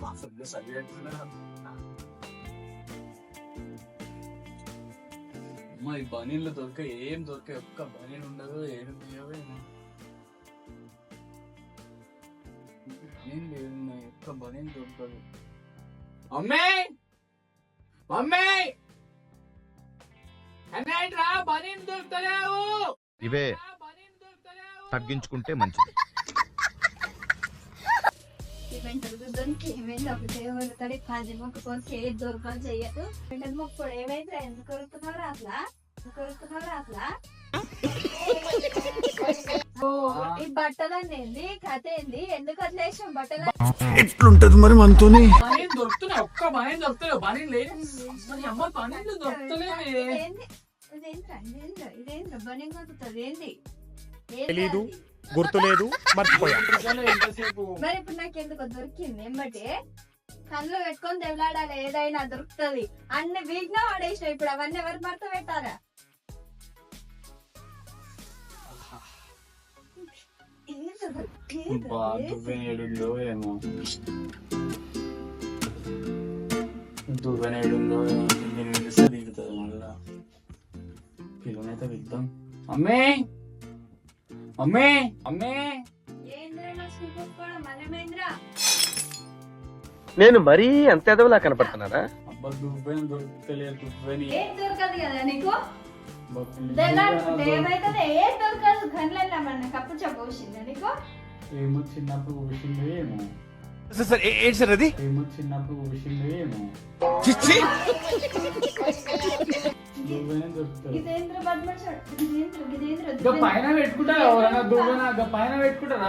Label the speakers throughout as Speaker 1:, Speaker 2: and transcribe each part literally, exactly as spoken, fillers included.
Speaker 1: అమ్మా ఈ బనీన్లు దొరికే ఏం దొరికే ఒక్క బనీన్ ఉండదు ఏం లేవే బనీన్ లేదు ఒక్క బనీన్ దొరకదు. మమ్మీ మమ్మీ అన్నయ్యరా బనీన్ దొరుకుతలేవు.
Speaker 2: ఇవే తగ్గించుకుంటే మంచిది.
Speaker 3: పది మొక్కుకొని ఏది దొరకని చెయ్యదు. మొక్కుడు ఏమైతే ఎందుకు కొరుకుతున్నావు అట్లా కొరుకుతున్నావు అట్లా ఈ బట్టలన్నీ ఏంది కథ ఏంది ఎందుకు అట్లా వేసాం బట్టలు
Speaker 1: ఎట్లుంటది మరి మనతోని బనీన్ దొరుకుతున్నాయి ఒక్క బనీన్ దొరుకుతలేవు బనీన్ లేదు అమ్మ బనీన్ దొరుకుతలేవు.
Speaker 3: ఇదేంద్రా ఇదేంద్రా ఇదేంద్రా బనీన్ కొడుతుంది ఏంది
Speaker 4: తెలీదు గుర్తులేదు మర్చిపోయా.
Speaker 3: మరి ఇప్పుడు నాకు ఎందుకు దొరికింది ఏమంటే కళ్ళు పెట్టుకొని తెల్లాడాలి ఏదైనా దొరుకుతుంది అన్ని వీగ్గా వాడేసిన ఇప్పుడు అవన్నీ ఎవరు భర్త పెట్టారా?
Speaker 1: దువ్వెనేడుందో ఏమో దువ్వెనేడుందో నేను పిలిస్తే దిగుతుంది మళ్ళా పిల్లనైతే విద్దాం. అమ్మే అమ్మే అమ్మే
Speaker 5: నేను మరీ అంత ఎదవలా కనపడుతున్నారా?
Speaker 1: అబ్బా దువ్వెన దొరుకుతలేదు దువ్వెని
Speaker 3: ఏం దొరకదు కదా నీకు ఏమైతుంది ఏం దొరకదు గన్లల్లో మన కప్పు చెప్పవచ్చిందా నీకు?
Speaker 1: ఏమో చిన్నప్పుడు ఊసిందో ఏమో
Speaker 2: అది
Speaker 1: ఏమో చిన్నప్పుడు ఊసిందో ఏమో దువ్వెనే దొరుకుతుంది.
Speaker 3: ఇదేంద్ర బద్మాషాడు ఇదేంద్ర ఇదేంద్ర
Speaker 1: పైన పెట్టుకుంటారు ఎవరైనా దువ్వెన పైన పెట్టుకుంటారా?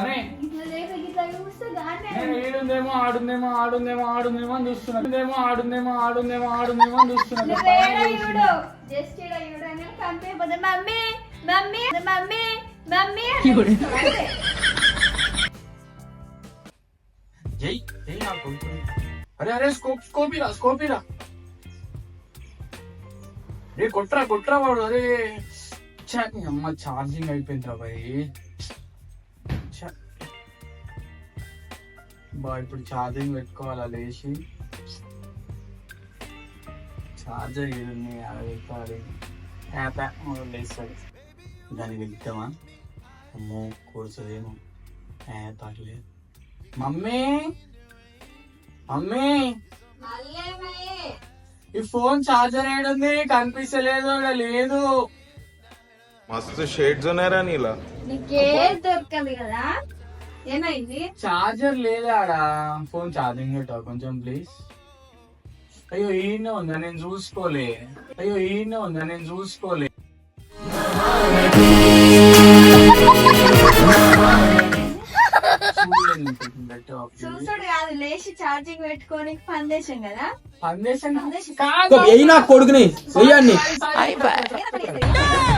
Speaker 1: ఏడుందేమో ఆడుందేమో ఆడుందేమో ఆడుందేమో అని చూస్తున్నా ఆడుందేమో ఆడుందేమో ఆడుందేమో అని చూస్తున్నా.
Speaker 3: మమ్మీ మమ్మీ మమ్మీ మమ్మీ
Speaker 1: జై జై నా కొడుకు. అరే అరే స్కోప్ స్కోపిరా స్కోపిరా రే కొట్రా కొట్రా వాడు. అరే అమ్మ ఛార్జింగ్ అయిపోయిందిరా బాయ్. బా ఇప్పుడు ఛార్జింగ్ పెట్టుకోవాలా లేచి ఛార్జర్ ఏది యాభై యాప్ లేస్తాడు దానికి వెళ్తామా? అమ్మో కూర్చోదేమో పర్లేదు. మమ్మీ మమ్మీ ఈ ఫోన్ ఛార్జర్ ఏడుంది కనిపిస్తలేదు లేదు.
Speaker 2: మస్తు షేడ్స్ ఉన్నారా నీలా?
Speaker 3: నీకేం దొరకదు కదా ఏమైంది?
Speaker 1: ఛార్జర్ లేదా ఆడ ఫోన్ ఛార్జింగ్ పెట్టావు కొంచెం ప్లీజ్. అయ్యో ఈయన ఉందా నేను చూసుకోలే. అయ్యో ఈయన ఉందా నేను చూసుకోలే.
Speaker 3: చూసాడు కాదు లేచి ఛార్జింగ్ పెట్టుకొని పందేశం కదా
Speaker 1: పందేశం
Speaker 3: పందేశం
Speaker 1: కాదు
Speaker 5: కొడుకుని